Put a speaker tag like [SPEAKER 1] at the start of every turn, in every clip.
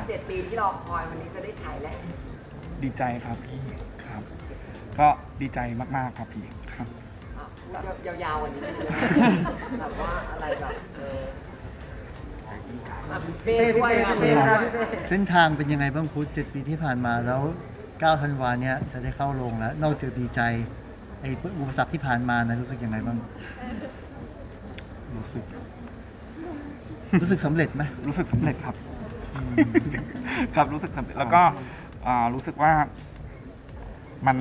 [SPEAKER 1] 7 ปีที่รอคอยวันนี้จะได้ฉายแล้ว
[SPEAKER 2] ดีใจครับพี่ครับ ก็ดีใจมากๆครับพี่ครับ
[SPEAKER 1] ยาวๆวันนี้แบบว่าอะไรแบบเป้ช่วยเป้ครับ
[SPEAKER 3] เส้นทางเป็นยังไงบ้างพุทธ7 ปีที่ผ่านมาแล้ว9 ธันวาเนี่ยจะได้เข้าโรงแล้ว นอกจากดีใจไอ้อุปสรรคที่ผ่านมานะรู้สึกยังไงบ้าง รู้สึกสำเร็จไหม
[SPEAKER 2] รู้สึกสำเร็จครับครับรู้สึกสำเร็จแล้วก็รู้สึกว่ามัน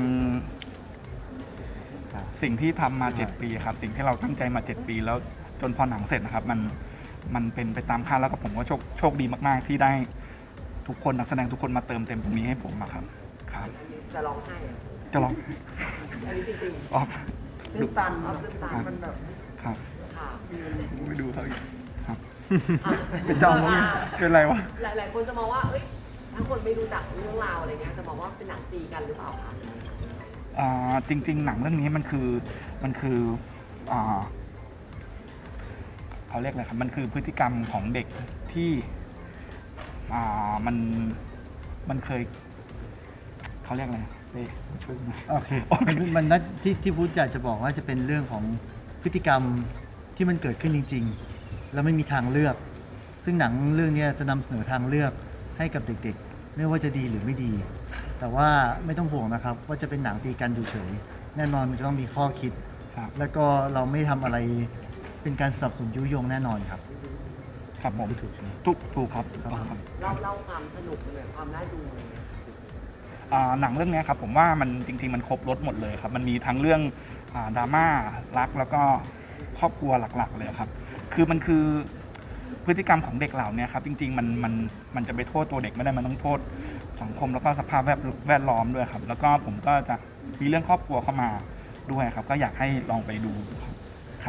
[SPEAKER 2] สิ่งที่ทำมา7 ปีครับสิ่งที่เราตั้งใจมา7 ปีแล้วจนพอหนังเสร็จนะครับมันเป็นไปตามคาดแล้วก็ผมก็โชคดีมากๆที่ได้ทุกคนนักแสดงทุกคนมาเติมเต็มตรงนี้ให้ผมครับครับ
[SPEAKER 1] จะร้องไห้
[SPEAKER 2] จะลอง
[SPEAKER 1] อันนี้จริง
[SPEAKER 2] อ๋อ
[SPEAKER 1] ๆตื้นตันตื้นตันมันแบบ
[SPEAKER 2] ครับ
[SPEAKER 1] ค่ะ
[SPEAKER 2] ไม่ดูเขาอีกครับไม่จองมั้งเป็นไรวะ
[SPEAKER 1] หลายๆคนจะมองว่าเอ้ยถ้าคนไม่รู้จักเรื่องราวอะไรเงี้ยจะมองว่าเป็นหนังตีกันหรือเปล่าคะ
[SPEAKER 2] จริงๆหนังเรื่องนี้มันคือเขาเรียกอะไรครับมันคือพฤติกรรมของเด็กที่มันเคยเขาเรียกอะไรช่วยหน่อย
[SPEAKER 3] โอเคมันนัดที่พุทธอยากจะบอกว่าจะเป็นเรื่องของพฤติกรรมที่มันเกิดขึ้นจริงๆ แล้วไม่มีทางเลือก ซึ่งหนังเรื่องนี้จะนำเสนอทางเลือกให้กับเด็กๆไม่ว่าจะดีหรือไม่ดี แต่ว่าไม่ต้องห่วงนะครับว่าจะเป็นหนังตีกันเฉยๆแน่นอนมันจะต้องมีข้อคิด
[SPEAKER 2] ครับ
[SPEAKER 3] แล้วก็เราไม่ทำอะไรเป็นการสนับสนุนยุยงแน่นอนครับ
[SPEAKER 2] ครับผม
[SPEAKER 3] ถูกใช่ไหม
[SPEAKER 2] ถูกครับถูกต้องครับ
[SPEAKER 1] เล่าความสนุกเลยความน่าดูอะไรเงี้ย
[SPEAKER 2] หนังเรื่องนี้ครับผมว่ามันจริงๆมันครบรสหมดเลยครับมันมีทั้งเรื่องดราม่ารักแล้วก็ครอบครัวหลักๆเลยครับมันคือพฤติกรรมของเด็กเหล่านี้ครับจริงๆมันจะไปโทษตัวเด็กไม่ได้มันต้องโทษสังคมแล้วก็สภาพแวดล้อมด้วยครับแล้วก็ผมก็จะมีเรื่องครอบครัวเข้ามาด้วยครับก็อยากให้ลองไปดูครับ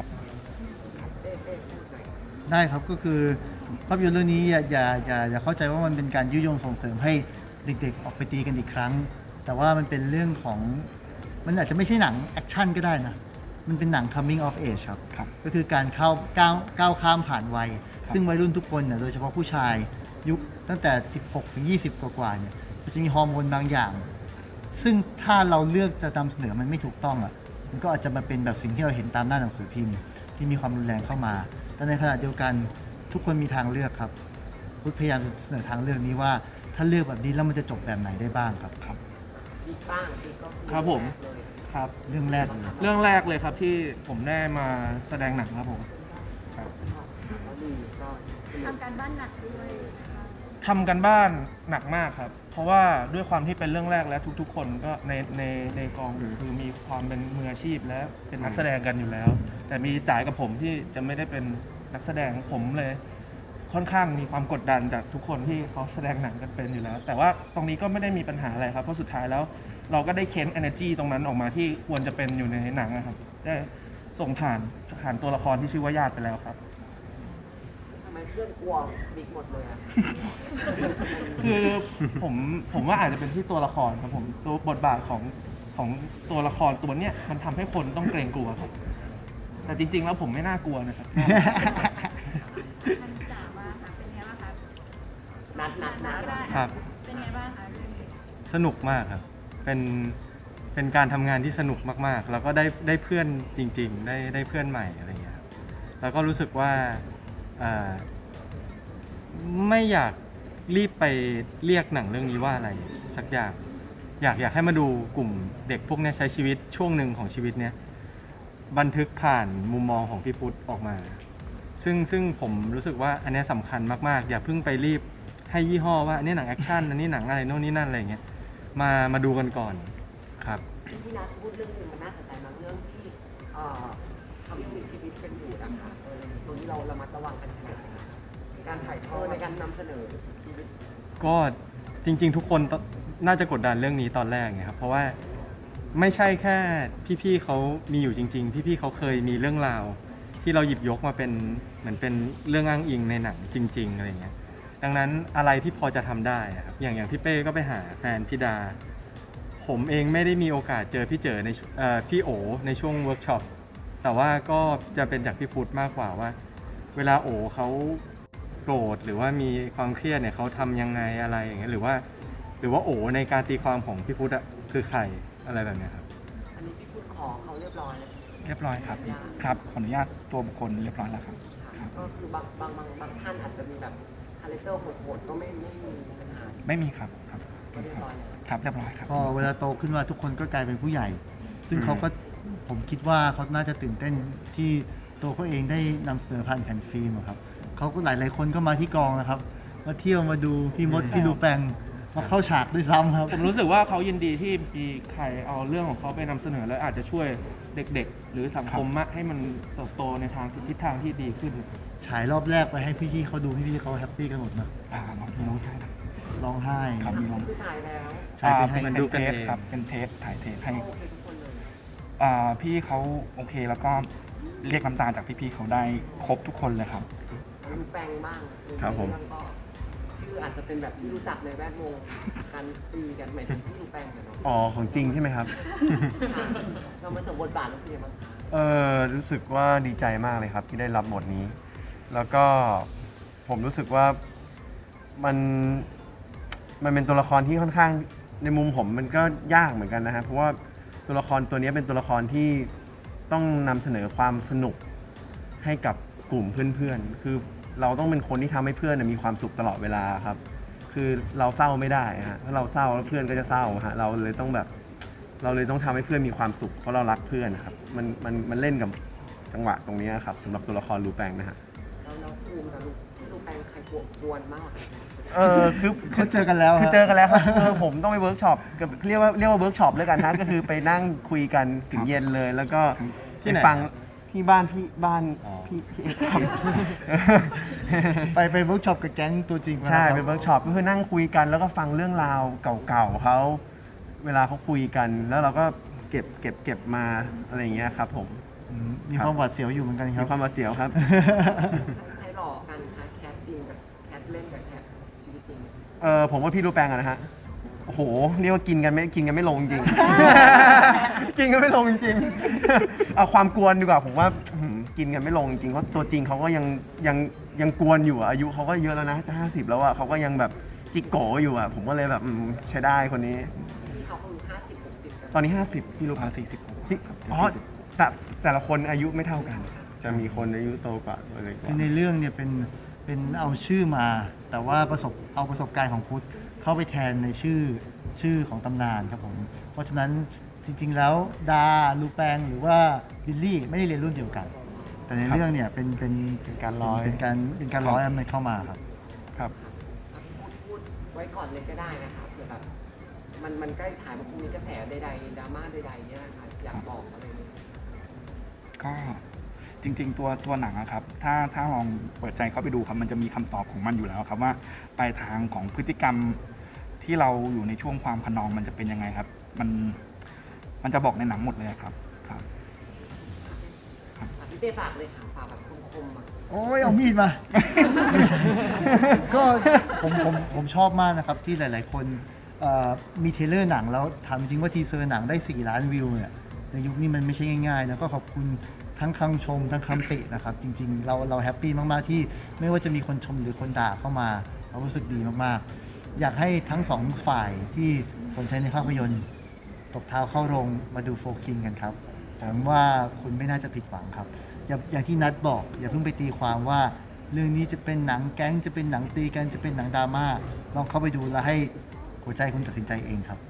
[SPEAKER 3] ได้ครับก็คือภาพยนตร์เรื่องนี้อย่าเข้าใจว่ามันเป็นการยุยงส่งเสริมให้เด็กๆออกไปตีกันอีกครั้ง แต่ว่ามันเป็นเรื่องของมันอาจจะไม่ใช่หนังแอคชั่นก็ได้นะมันเป็นหนัง coming of age ครับ
[SPEAKER 2] ครับ
[SPEAKER 3] ก็คือการก้าวข้ามผ่านวัย ซึ่งวัยรุ่นทุกคนเนี่ยโดยเฉพาะผู้ชายยุคตั้งแต่ 16 ถึง 20 กว่าๆเนี่ยมันจะมีฮอร์โมนบางอย่าง ซึ่งถ้าเราเลือกจะนำเสนอมันไม่ถูกต้องอ่ะมันก็อาจจะมาเป็นแบบสิ่งที่เราเห็นตามหน้าหนังสือพิมพ์ที่มีความรุนแรงเข้ามา แต่ในขณะเดียวกันทุกคนมีทางเลือกครับพุทธพยายามจะเสนอทางเลือกนี้ว่าถ้าเลือกแบบนี้แล้วมันจะจบแบบไหนได้บ้างครับ
[SPEAKER 1] ดีบ้างดีก็อ
[SPEAKER 4] ครับผม
[SPEAKER 1] เลย
[SPEAKER 4] ครับ
[SPEAKER 3] เรื่องแรกเลย
[SPEAKER 4] เรื่องแรกเลยครับที่ผมได้มาแสดงหนังครับผม
[SPEAKER 1] ก็ดีก็สนุก
[SPEAKER 5] ทำการบ้านหนักด้วยนะคะ
[SPEAKER 4] ทำกันบ้านหนักมากครับ เพราะว่าด้วยความที่เป็นเรื่องแรกและทุกๆ คนก็ในกองคือมีความเป็นมืออาชีพและเป็นนักแสดงกันอยู่แล้ว แต่มีจ่ายกับผมที่จะไม่ได้เป็นนักแสดงผมเลยค่อนข้างมีความกดดันจากทุกคนที่เขาแสดงหนังกันเป็นอยู่แล้ว แต่ว่าตรงนี้ก็ไม่ได้มีปัญหาอะไรครับเพราะสุดท้ายแล้ว เราก็ได้เค้น energy ตรงนั้นออกมาที่ควรจะเป็นอยู่ในหนังนะครับได้ส่งผ่านตัวละครที่ชื่อว่าญาติไปแล้วครับ
[SPEAKER 1] ทำไมเพื่อนกลัวบิ๊กหมดเลยอะ
[SPEAKER 4] คือผมว่าอาจจะเป็นที่ตัวละครครับผมตัวบทบาทของตัวละครตัวเนี้ยมันทำให้คนต้องเกรงกลัวครับ แต่จริง ๆ แล้วผมไม่น่ากลัวนะครับ
[SPEAKER 5] ท่านจ๋าว่าค่ะเป็นไงบ้างคะ
[SPEAKER 1] นัด
[SPEAKER 5] ก็ได้
[SPEAKER 6] ครับ
[SPEAKER 5] เป็นไงบ้างคะเรื่องนี้
[SPEAKER 6] สนุกมากครับ เป็นการทำงานที่สนุกมากๆ แล้วก็ได้เพื่อนจริงๆ ได้เพื่อนใหม่อะไรอย่างเงี้ยครับแล้วก็รู้สึกว่าไม่อยากรีบไปเรียกหนังเรื่องนี้ว่าอะไรสักอย่าง อยากให้มาดูกลุ่มเด็กพวกเนี้ยใช้ชีวิตช่วงหนึ่งของชีวิตเนี้ยบันทึกผ่านมุมมองของพี่พุทธออกมา ซึ่งผมรู้สึกว่าอันเนี้ยสำคัญมากๆ อย่าเพิ่งไปรีบให้ยี่ห้อว่าอันนี้หนังแอคชั่นอันนี้หนังอะไรโน่นนี่นั่นอะไรอย่างเงี้ยมาดูกันก่อนครับ
[SPEAKER 1] ที่นัดพูดเรื่องหนึงมันน่าสนใจมากเรื่องที่เขายังมีชีวิตกันอยู่นะคะตรงนี้เราระมัดระวังกันขนาดไหนคะในการถ่ายทอดในการนำเสนอชีวิต
[SPEAKER 6] ก็จริงๆทุกคนน่าจะกดดันเรื่องนี้ตอนแรกไงครับเพราะว่าไม่ใช่แค่พี่ๆเขามีอยู่จริงๆพี่ๆเขาเคยมีเรื่องราวที่เราหยิบยกมาเป็นเหมือนเป็นเรื่องอ้างอิงในหนังจริงๆอะไรเงี้ยดังนั้นอะไรที่พอจะทำได้อะครับอย่างพี่เป้ก็ไปหาแฟนพี่ดาผมเองไม่ได้มีโอกาสเจอพี่เจอในพี่โอในช่วงเวิร์กช็อปแต่ว่าก็จะเป็นจากพี่พุทธมากกว่าว่า เวลาโอเขาโกรธหรือว่ามีความเครียดเนี่ยเขาทำยังไงอะไรอย่างเงี้ยหรือว่าโอในการตีความของพี่พุทธอะคือใครอะไรแบบเนี้ยครับ
[SPEAKER 1] อันนี้พี่พูดขอเขาเรียบร้อยแล้ว
[SPEAKER 2] เรียบร้อยครับครับขออนุญาตตัวบุคคลเรียบร้อยแล้วครับ
[SPEAKER 1] ค่ะก็คือบางท่านอาจจะมีแบบคาแรคเตอร์โหดๆก็ไม่มีปัญหา
[SPEAKER 2] ไม่มีครับครับ
[SPEAKER 1] ก็เรียบร้อยแล้ว
[SPEAKER 2] ครับเรียบร้อยครับ
[SPEAKER 3] พอเวลาโตขึ้นมาทุกคนก็กลายเป็นผู้ใหญ่ ซึ่งเขาก็ผมคิดว่าเขาน่าจะตื่นเต้นที่ตัวเขาเองได้นำเสนอผ่านแผ่นฟิล์มอะครับเขาก็หลายๆคนก็มาที่กองนะครับมาเที่ยวมาดูพี่มดพี่ลูแปงมาเข้าฉากด้วยซ้ำครับ
[SPEAKER 4] ผมรู้สึกว่าเขายินดีที่มีใครเอาเรื่องของเขาไปนำเสนอแล้วอาจจะช่วยเด็กๆ หรือสังคมมะให้มันเติบโตในทางทิศทางที่ดีขึ้น
[SPEAKER 3] ฉายรอบแรกไปให้พี่ๆเขาดูพี่ๆเขาแฮปปี้กันหมดนะ
[SPEAKER 2] น้องน้องชายนะ
[SPEAKER 3] ร้องไห้
[SPEAKER 2] ครับมีน้อง
[SPEAKER 1] ผู้ชายแล้ว
[SPEAKER 3] ฉายไปให้
[SPEAKER 2] เป็น
[SPEAKER 6] ดู
[SPEAKER 2] เท
[SPEAKER 6] กัน
[SPEAKER 2] ส
[SPEAKER 6] เอง
[SPEAKER 2] ครับเป็นเทสถ่ายเทสให้
[SPEAKER 1] โอเคทุกคนเลย
[SPEAKER 2] พี่เขาโอเคแล้วก็เรียกน้ำตาจากพี่ๆเขาได้ครบทุกคนเลยครับ
[SPEAKER 1] ดูแปลงบ้าง
[SPEAKER 6] ครับผม
[SPEAKER 1] เองก็ชื่ออาจจะเป็นแบบที่รู้จักในแวดวงการตีกันหมายถึงที่ดูแปลงกันเนาะ
[SPEAKER 7] อ๋อของจริงใช่ไหมครับ
[SPEAKER 1] เรามาสมบทบาทแล้วเป็นยังไงบ้างคะ
[SPEAKER 7] รู้สึกว่าดีใจมากเลยครับที่ได้รับบทนี้ แล้วก็ผมรู้สึกว่ามันเป็นตัวละครที่ค่อนข้างในมุมผมมันก็ยากเหมือนกันนะฮะเพราะว่าตัวละครตัวนี้เป็นตัวละครที่ต้องนำเสนอความสนุกให้กับกลุ่มเพื่อนๆคือเราต้องเป็นคนที่ทำให้เพื่อนมีความสุขตลอดเวลาครับ คือเราเศร้าไม่ได้ฮะถ้าเราเศร้าแล้วเพื่อนก็จะเศร้าฮะเราเลยต้องทำให้เพื่อนมีความสุขเพราะเรารักเพื่อนนะครับมันเล่นกับจังหวะตรงนี้ครับสำหรับตัวละครลูแปงนะฮะ
[SPEAKER 1] แล้วภูมิกับลูกแปลงใครกวนมากกว่ากัน
[SPEAKER 7] คือ
[SPEAKER 3] เขาเจอกันแล้ว
[SPEAKER 7] คือเจอกันแล้วครับผมต้องไปเวิร์กช็อปกับเรียกว่าเวิร์กช็อปแล้วกันฮะก็คือไปนั่งคุยกันถึงเย็นเลย แล้วก็
[SPEAKER 6] ที่ไหน
[SPEAKER 7] ไปฟังที่บ้านพี่เอกครับ
[SPEAKER 3] ไปเวิร์กช็อปกับแก๊งตัวจริงมา
[SPEAKER 7] ใช่
[SPEAKER 3] ครับ
[SPEAKER 7] เป็นเวิร์กช็อปก็คือนั่งคุยกันแล้วก็ฟังเรื่องราวเก่าๆเขาเวลาเขาคุยกัน แล้วเราก็เก็บมาอะไรอย่างเงี้ยครับผม
[SPEAKER 3] มีความหวาดเสียวอยู่เหมือนกันค
[SPEAKER 7] มี
[SPEAKER 3] รับ
[SPEAKER 7] ความมาเสียวครับ
[SPEAKER 1] ใครหลอกกันคะแคทจริงกับแคทเล่นกับแคทชีวิตจริง
[SPEAKER 7] ผมว่าพี่รูแปงอะนะฮะโอ้โหเรียกว่ากินกันไม่ลงจริง กินกันไม่ลงจริงเอาความกวนดีกว่าผมว่ากินกันไม่ลงจริงเพราะตัวจริงเขาก็ยังกวนอยู่อะอายุเขาก็เยอะแล้วนะจะ50แล้วอะเขาก็ยังแบบจิกโกอยู่อะผมก็เลยแบบใช้ได้คนนี้
[SPEAKER 1] ที่เขาคือ50-60กัน
[SPEAKER 7] ตอนนี้50พี่รู
[SPEAKER 2] 40
[SPEAKER 7] ที่
[SPEAKER 2] ครับ
[SPEAKER 7] อ๋อแต่ละคนอายุไม่เท่ากัน จะมีคนอายุโตกว่าอะไรกว่า
[SPEAKER 3] ในเรื่องเนี่ยเป็นเอาชื่อมา แต่ว่าเอาประสบการณ์ของพุทธเข้าไปแทนในชื่อของตำนานครับผม เพราะฉะนั้นจริง ๆ แล้วดาลูแปงหรือว่าบิลลี่ไม่ได้เรียนรุ่นเดียวกัน แต่ในเรื่องเนี่ยเป็นการร้อยมันเข้ามาครับ
[SPEAKER 7] ครับ
[SPEAKER 1] พูดไว้ก่อนเลยก็ได้นะคะเผื่อแบบมันใกล้ฉายมันคงมีกระแสใดๆดราม่าใดๆเนี่ยนะคะอยากบอกอะไรไหม
[SPEAKER 2] ก็จริงๆตัวหนังอะครับถ้าลองเปิดใจเข้าไปดูครับมันจะมีคำตอบของมันอยู่แล้วครับว่าปลายทางของพฤติกรรมที่เราอยู่ในช่วงความขนองมันจะเป็นยังไงครับ มันจะบอกในหนังหมดเลยครับครับ
[SPEAKER 1] พี่เต้ฝากเลยค่ะฝากแบบคมๆอ่ะ
[SPEAKER 3] โอ้ยเอามีดมา ก็ผมชอบมากนะครับที่หลาย ๆ คนมีเทรลเลอร์หนังแล้วถามจริงว่าทีเซอร์หนังได้4 ล้านวิวเนี่ยในยุคนี้มันไม่ใช่ง่ายๆนะก็ขอบคุณทั้งคำชมทั้งคำตินะครับ จริง ๆ เราแฮปปี้มาก ๆ ที่ไม่ว่าจะมีคนชมหรือคนด่าเข้ามาเรารู้สึกดีมาก ๆ อยากให้ทั้งสองฝ่ายที่สนใจในภาพยนตร์ตบเท้าเข้าโรงมาดูโฟคิงกันครับผมว่าคุณไม่น่าจะผิดหวังครับ อย่างที่นัดบอก อย่าเพิ่งไปตีความว่าเรื่องนี้จะเป็นหนังแก๊งจะเป็นหนังตีกันจะเป็นหนังดราม่าลองเข้าไปดูแล้วให้หัวใจคุณตัดสินใจเองครับ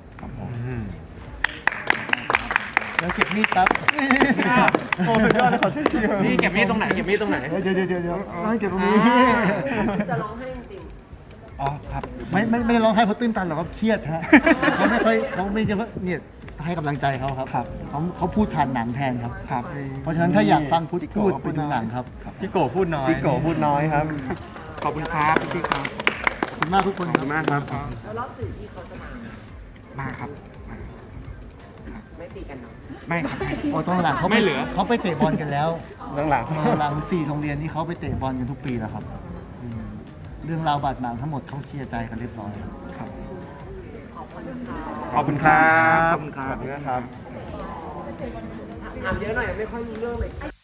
[SPEAKER 3] แล้วเก็บมีดครับ
[SPEAKER 7] โอ้สุดยอดเลยขอโทษที
[SPEAKER 4] นี่เก็บมีดตรงไหนเก็บมีดตรงไหน
[SPEAKER 3] เดี๋ยวให้เก็บตรงนี้
[SPEAKER 1] จะร้องให้จริง
[SPEAKER 2] อ๋อครับ
[SPEAKER 3] ไม่ได้ร้องไห้เพราะตื้นตันหรอกครับเครียดฮะเขาไม่จะเนี่ยให้กำลังใจเขาครับ
[SPEAKER 2] ครับ
[SPEAKER 3] เขาพูดผ่านหนังแทนครับ
[SPEAKER 2] ครับ
[SPEAKER 3] เพราะฉะนั้นถ้าอยากฟังพูดไปดูหนังครับ
[SPEAKER 6] จิโกะพูดน้อย
[SPEAKER 7] จิโกะพูดน้อยครับ
[SPEAKER 2] ขอบคุณครับพี่ครับ
[SPEAKER 3] ขอบคุณมากทุกคน
[SPEAKER 7] ขอบคุณมากครับ
[SPEAKER 1] ๆแล้วรอบสื่อที่เขาจะมา
[SPEAKER 2] มาครับ
[SPEAKER 1] ไม่ตีกันเนาะ
[SPEAKER 2] ไม่ครับ
[SPEAKER 3] โอ้ตอนหลังเขาไม่เหลือเขาไปเตะบอลกันแล้ว
[SPEAKER 7] หลัง
[SPEAKER 3] หลัง4 โรงเรียนที่เขาไปเตะบอลกันทุกปีแล้วครับเรื่องราวบาดหมางทั้งหมมดเขาเคลียร์ใจกันเรียบร้อยครับ
[SPEAKER 1] ขอบคุณค่ะ
[SPEAKER 7] ขอบคุณครับ
[SPEAKER 2] ขอบคุณครับ
[SPEAKER 7] ขอบคุณครับ
[SPEAKER 1] ถามเยอะหน่อยไม่ค่อยรู้เรื่องเลย